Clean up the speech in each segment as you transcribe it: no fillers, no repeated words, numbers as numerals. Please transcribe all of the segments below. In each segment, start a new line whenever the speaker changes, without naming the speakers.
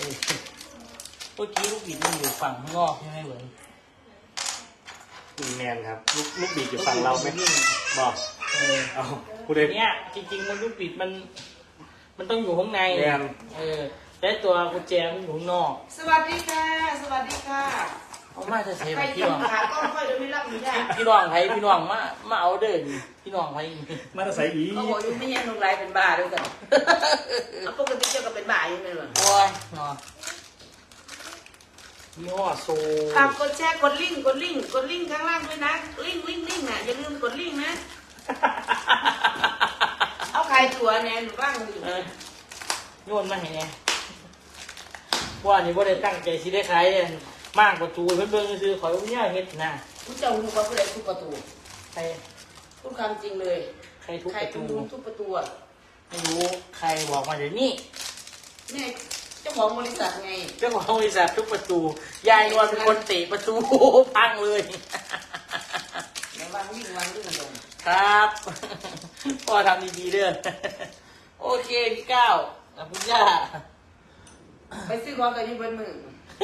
เมื่อกี้ลูกบิดมันอยู่ฝั่งข้างนอกใช่ไหมเหมือน
แมนครับลูกบิดอยู่ฝั่งเราไหมบอกเอาพูดเลย
เนี่ยจริงๆมันลูกบิดมันต้องอยู่ข้างในแต่ตัวกุญแจมันอยู่ข้างนอก
สวัสดีค่ะสวัสดีค่ะ
เอามาจะใช้
ใคร
พี่
จะ
น้อง
ขากล้องค่อยจะไม่รับหนูได้
พี่น้องไทยพี่น้องมาเอาเด้อพี่น้องไทย
มาตะไซอี
เขาบอกอยู่ไม่ยังลงไรเป็นบ้าด้วยกันเอาปกติเจ้าก็เป็นบ้าอยู่ไหมล่ะ
โอ้ยเนาะยี่ห้อโซ
ฝากกดแชร์กดลิงก์กดลิงก์ข้างล่างด้วยนะลิงก์อ่ะอย่าลืมกดลิงก์นะเอาใครตัวแนนหรือบ้างดิ
โยนมาเห็นไงว่านี่ว่าได้ตั้งใจสิได้ขายมากกว่าจูเพิ่นซื้อขอยเนี่ยเฮ็ดนะ
ผู้เจ้าหูเขาผู้ใดทุบประตู
ใคร
ทุกคำจริงเลย
ใครทุบ
ใคร
ประ
เป็น
ตู
คนทุบประตูอ่ะ
ไม่รู้ใครบอกมาเดี๋ยวนี้
เนี่ยเจ้าของบริษัทไง
เจ้าของบริษัททุบประตูยายนวลเป็นคนเตะประตูพังเลย
ในวันวิ่งตรง
ครับพ่อทำดีๆเด้อโอเคพี่ก้าวกับคุณย่า
ไปซื้อของกันที่เบิ้ลมือ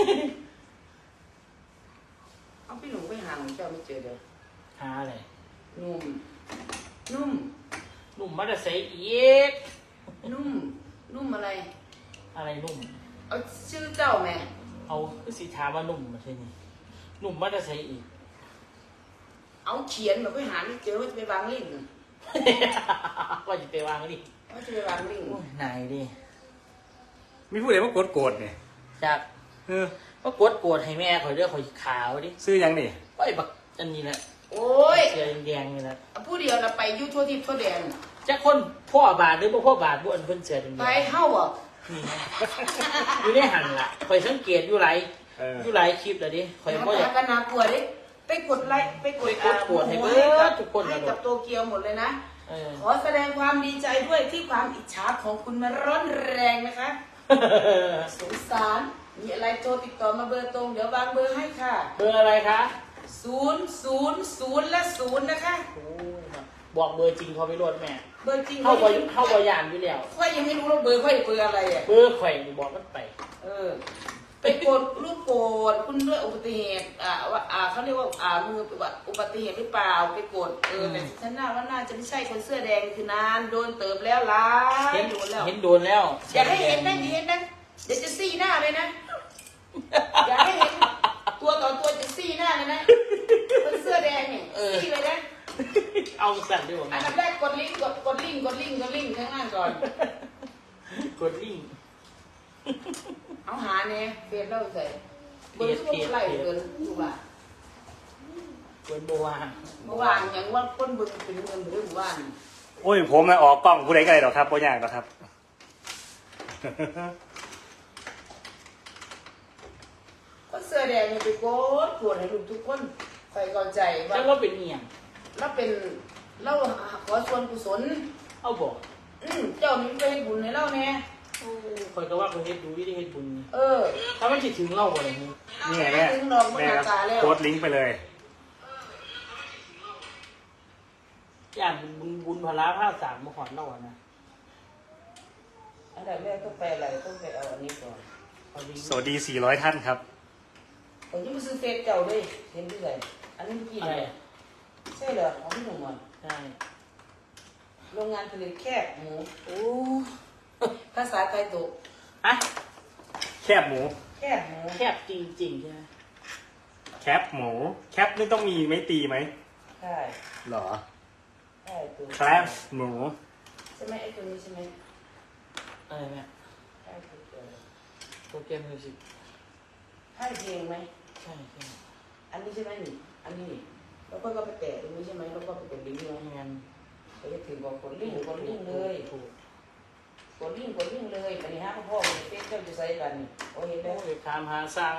เอาพี่หนุ่มไปหาของเจ้าไม่เจอเด้อ
หาอะไร
นุ่ม
หนุ่มมาแต่ใส่อีก
นุ่มอะไร
อะไรหนุ่ม
เอาชื่อเจ้าแม่
เอาคือสีถามว่าหนุ่มมาใช่นี่หนุ่มมาแต่ใส่อีก
เอาเขียนแบบไปหาไม่เจอว่าจะไปวางลิงก์น่ะ
ว่าจะไปวางดิ
ว่าจะไปวางลิงก์
ไหนดิ
มีผู้ใดมากดโกรธเนี่ย
จากก็กดโกรธให้แม่ข่อยเลือกข่อยขาวดิ
ซื้อยังนี่
ไอ้บักอันนี้แหละ
โอ้ย
เสียแดงๆนี่แหละ
ผู้เดียวเราไปอยูทั่วทิพย์ทั่วแดน
จะคนพ่อบาทหรือบ่พ่อบาทบ่อันเพิ่นเสียแดง
ไปเฮ้าอ่ะ
นี่นะอยู่ในหันล่ะข่อยสังเกตอยู่หลายคลิปแล้วดิข่อยบ่อยาก
กันนะกลัวดิไปกดไลค์ไปกด
กดให้เบิดทุกคน
ให้กับโตเกียวหมดเลยนะ
เออ
ขอแสดงความดีใจด้วยที่ความอิจฉาของคุณมันร้อนแรงนะคะ สงสารมีอะไรโทรติดต่อมาเบอร์ตรงเดี๋ยววางเบอร์ให้ค่ะ
เบอร์อะไรคะ
000และ0นะคะ
โอ้ยบอกเบอร์จริงเขาไปรวดแม่
เบอร์จริง
เข้าบ่ยานอยู่แล้ว
ค่อยยังไม่รู้ว่าเบอร์ค่อยเบอร์อะไรอ่ะ
เบอร์ข่อยนี่บอกกันไป
ไปกดลูกโกดคุณด้วยอุบัติเหตุว่าเขาเรียกว่ามืออุบัติเหตุหรือเปล่าไปกดแต่ฉันน่าว่าน่าจะไม่ใช่คนเสื้อแดงคือนานโดนเติบแล้วล้า
เห็น
โดนแล้ว
เห็นโดนแล้ว
อย่าให้เห็นนะอย่าเห็นนะเดี๋ยวจะซี่หน้าเลยนะอย่าให้เห็นตัวต่อตัวจะซี่หน้าเลยนะคนเสื้อแดงเนี่ยซี่เลยนะ
เอาสั่นด้วย
อันดับแรกกดลิงก์กดลิงก์ข้างล่างก่อน
กดลิงก์
เอาหาเนี่ยเฟซเราใส่เบอร์ทุกไหลเบอร์ทุกว่า
เปิดโบวาง
เมื่อวานยังว่าคนเบอร์เป็นเงินหรือว่าน
โอ้ยผมนะออกกล้องผู้ใดก็ได้หรอกครับโปรยากหรอกครับ
คนเสื้อแดงเนี่ยไปกดให้ลูกทุกคนใส่ก่อนใจว่า
แล้วเราเป็นเมียง
เราเป็นเราขอส่วนกุศล
เอาบอก
เจ้านี่ไปให้บุญให้เราแน่
คอยก็ว่าคนเฮ็ดดูวิธีเฮ็ดบุญ ถ้ามันสิถึงเราบ่ได้นี่
นี่ไงแม่
ถึงดอกมัน
แม่
ห
ค
น้า
รับ
ตาแล้ว
โกดลิงก์ไปเลย
อย่างบุญพลาภาพสามมาขอนเราอะนะ
อันดับแรกต้องไปอะไรต้องไปเอาอันนี้ก่อน
เอาลิงก์
สวัสดี 400 ท่านครับ
ผมจะไปซื้อเฟซเจ้าเลยเห็นที่ไหนอันนี้กี่
อะไร
เลยใช่เหรอของพี่หนุ่มอ่ะ
ใช่
โรงงานผลิตแคบหมู
โอ้
ภาษาไทยตุ
อะ
แคบหมู
แคบหมู
แคบจริงๆใช่ไหม
แคปหมู แคปนี่ต้องมีไม่ตีไหม
ใช่
หรอ
ใช่ตุ
แคปหมู
ใช่ไหมไอ้ตัวนี้ใช่ไหม
อะไรเนี่ย
ใช่ตุเจอ
โปรแกรมมิวสิก
ใช่เพลงไหม
ใช่ใช่
อันนี้ใช่ไหมนี่อันนี้นี่แล้วก็ไปแตะตรงนี้ใช่ไหมแล้วก็ไปกดลิงก์เลย
งาน
ไปถึงบอกกดลิงก์เลย
ถูก
กดลิงก์เลยไปนี่ฮะพ่อเฟซเจ้าจะใส่กันนี่โอ้เห็น
โอ้
แล้ว
ยถามหาสร้าง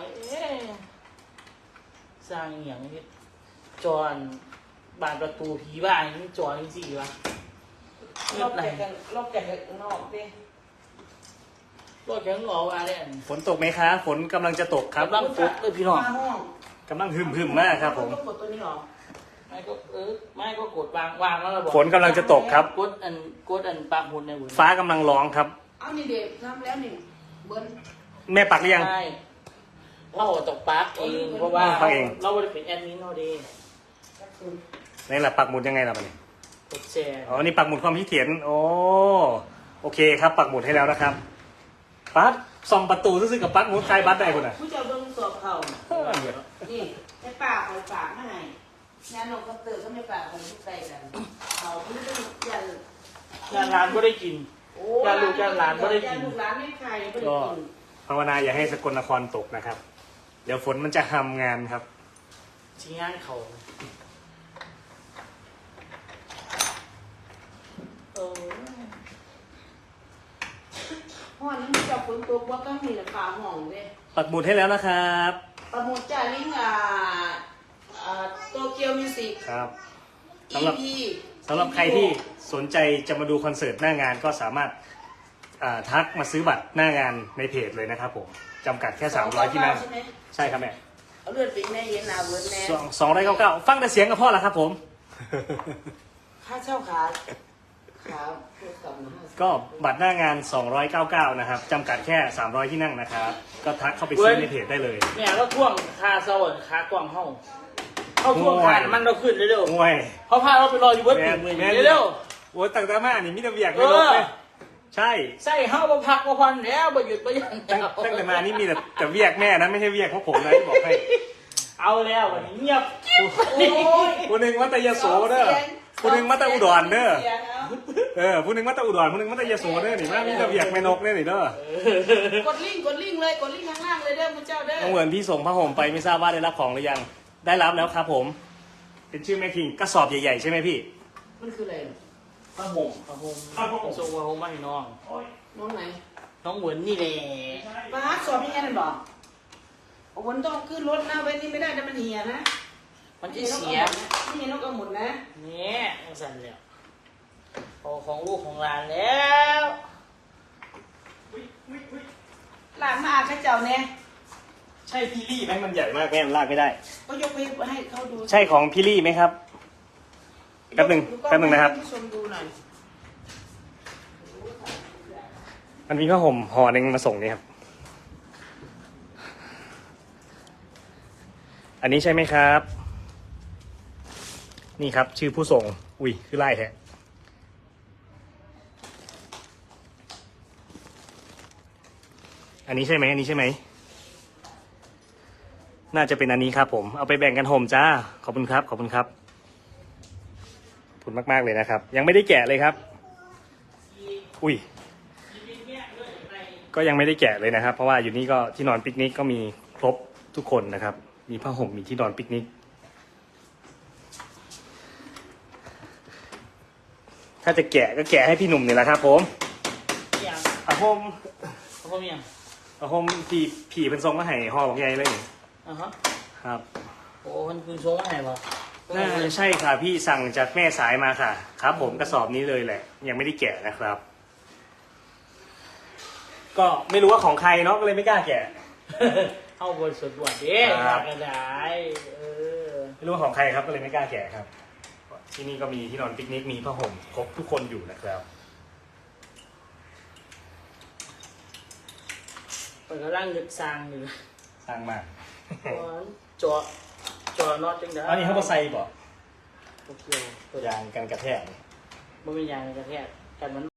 สร้างอหย่างนี้จอนบานประตูผีบ้านนี่จอนจริงๆวะ
รอบแกะรอบแกะนอกดิ
รถแข็งหล่อว่าเนี่ย
ฝนตกไหมคะ ฝนกำลังจะตกครับ
กำลังฟุกเลยพี่น้อง
มาห้อง
กำลังหึมๆมากครับผม
ต้องกดตัวนี้หรอ
ไม่ก็กดวางแล้วเราบอก
ฝนกำลังจะตกครับ
กดอันปากหุ่นในหุ่น
ฟ้ากำลังร้องครับ
เอานี่เด็กทำแล้วนี่เบิ้ล
แม่ปักหรือยัง
ใช่เราตกปักเองเพราะว่า
ปักเอง
เราไม่ได้เป็นแอดมินเราดี
นี่แหละปักหมุดยังไงล่ะมันนี่
กดแชร์
อ๋อนี่ปักหมุดความคิดเห็นโอ้โอเคครับปักหมุดให้แล้วนะครับปั๊บส่องประตูซื่อๆกับปักหมุดใครบัตรได้คุณอ่ะ
ผู้เจ้าเบิ่งสอบเขานี่ไอ้ป่าคอยฝากมาให้งานนกกระเตือก็ไม่ป่าคนที่ใกล้กันเขาไม่ได้ยัน
งานร้านก็ได้กิน การลูกการหลานก็ได้กิน
ลูกหลานไม่ใครไม่ได้
ก็
กิน
ภาวนาอย่าให้สกลนครตกนะครับ เดี๋ยวฝนมันจะทำงานครับ
ชิ้นงานเขาเออ
ห้องนั้นเจ้าฝนตกว่าก็มีแต่ป่าห้องเลย
ปักหมุดให้แล้วนะครับ
ประมูลจ่าลิงโตเกียวมิวสิก
ครับสำหรับ
EP
สำหรับใครที่สนใจจะมาดูคอนเสิร์ตหน้างานก็สามารถทักมาซื้อบัตรหน้างานในเพจเลยนะครับผมจำกัดแค่300ที่นั่ง
ใช่ไหม
ใช่ครับแม่
เอาเลือดปีกแน่เย็นหนาเวิร์ดแน่
299ฟังแต่เสียงกับพ่อแล้วครับผม
ค่าเช่าขาเพื่อกับนะ
ก็บัตรหน้างาน299นะครับจำกัดแค่300ที่นั่งนะครับก็ทักเข้าไปซื้อในเพจได้เลย
เนี่ยก็ท่วงคาเซาร์คากล่องเฮาท่วงคาน้ำมันเราขึ้นเร็ว
โอ้ย
ๆเขาพาเราไปรออยู่เบิร์ด
แม่
ปี
น
ก
แม่น
เร็ว
โอ้ยตั้งแต่มานี่มิตรเวียกไม่ลบเลยใช่
ๆใส่เฮาบ่พักบ่พันแล้วบ่หยุดบ่หยั้ง
ตั้งแต่มานี่มีแต่เวียกแม่นะไม่ใช่เวียกพวกผมนะที่บอกให้
เอาแล้ววันนี้เงียบ
โอ้ย
ผู้หนึ่งมัตยโสเด้อผู้หนึ่งมัตอุดรเด้อผู้หนึ่งมัตอุดรผู้หนึ่งมัตยโสเด้อนี่มามีแต่เวียกแม่นกเด้อนี่เด้อก
ดลิงก์เลยกดลิงก์ข้างล่างเลยเด้อพระเจ้าเด้อ
น้องเหมือนพี่ส่งผ้าห่มไปไม่ทราบว่าได้รับของหรือยังได้รับแล้วครับผม เป็นชื่อแม่คิงกระสอบใหญ่ๆใช่ไหมพี่
มันคืออะไร
ผ้าห่มส่งผ้าห่มมาให้น้อง
น้องไหน
น้องเหมือนนี่แหละ
ป้าสอบยังไงนั่นบอกวันต้องขึ้นรถนะเว้นนี่ไม่ได้แต่มันเหี่ยนะ
มันจะเสีย
นี่นกกระหมุนนะ
เนี่ยมันสั่นแล้วพอของลูกของหลานแล้ว
หลานมาอาข้าเจ้าเนี่ย
ใช่พี่ลี่ไหมมันใหญ่มากแม่มันลากไม่ได้
ก็ยกไปให้เขาดู
ใช่ของพี่ลี่ไหมครับแป๊บหนึ่งนะครับ
ให้ผู้ชมดูหน่อย
มันมีผ้าห่มห่อหนึ่งมาส่งนี่ครับ อันนี้ใช่ไหมครับ นี่ครับ ชื่อผู้ส่ง อุ้ยคือไล่แท้อันนี้ใช่ไหมอันนี้ใช่ไหมน่าจะเป็นอันนี้ครับผมเอาไปแบ่งกันห่มจ้าขอบคุณครับขอบคุณครับขอบคุณมากๆเลยนะครับ ยังไม่ได้แกะเลยครับ อุ้ยก็ยังไม่ได้แกะเลยนะครับ เพราะว่าอยู่นี่ก็ที่นอนปิกนิกก็มีครบทุกคนนะครับ มีผ้าห่มมีที่นอนปิกนิกถ้าจะแกะก็แกะให้พี่หนุ่มนี่แหละครับผมผ้าห่ม
เขาก็มีอย่าง
ผ้าห่มผีเป็นทรงก็ให้ห่อบอกใหญ่เลยนี่
อ่ะฮะ
ครับ
โอ้มันคือโชว์อะไรวะ
น่าจะใช่ค่ะพี่สั่งจากแม่สายมาค่ะ ครับ ผมกระสอบนี้เลยแหละ ยังไม่ได้แกะนะครับ ก็ไม่รู้ว่าของใครเนาะก็เลยไม่กล้าแกะ
เอาบนสุดบวดเด้
ครับ
กระดายอ
ไม่รู้ว่าของใครครับก็เลยไม่กล้าแกะครับ ที่นี่ก็มีที่นอนปิกนิกมีผ้าห่มครบทุกคนอยู่นะครับ
เปิดกระล่างยึดซางอยู่
สร้างมาก
จอน็อตจังได้
อันนี้เขาบอใส่บ่
โอเคตัวย
างกันกระแทก
มันเป็นยางกระแทกกันมัน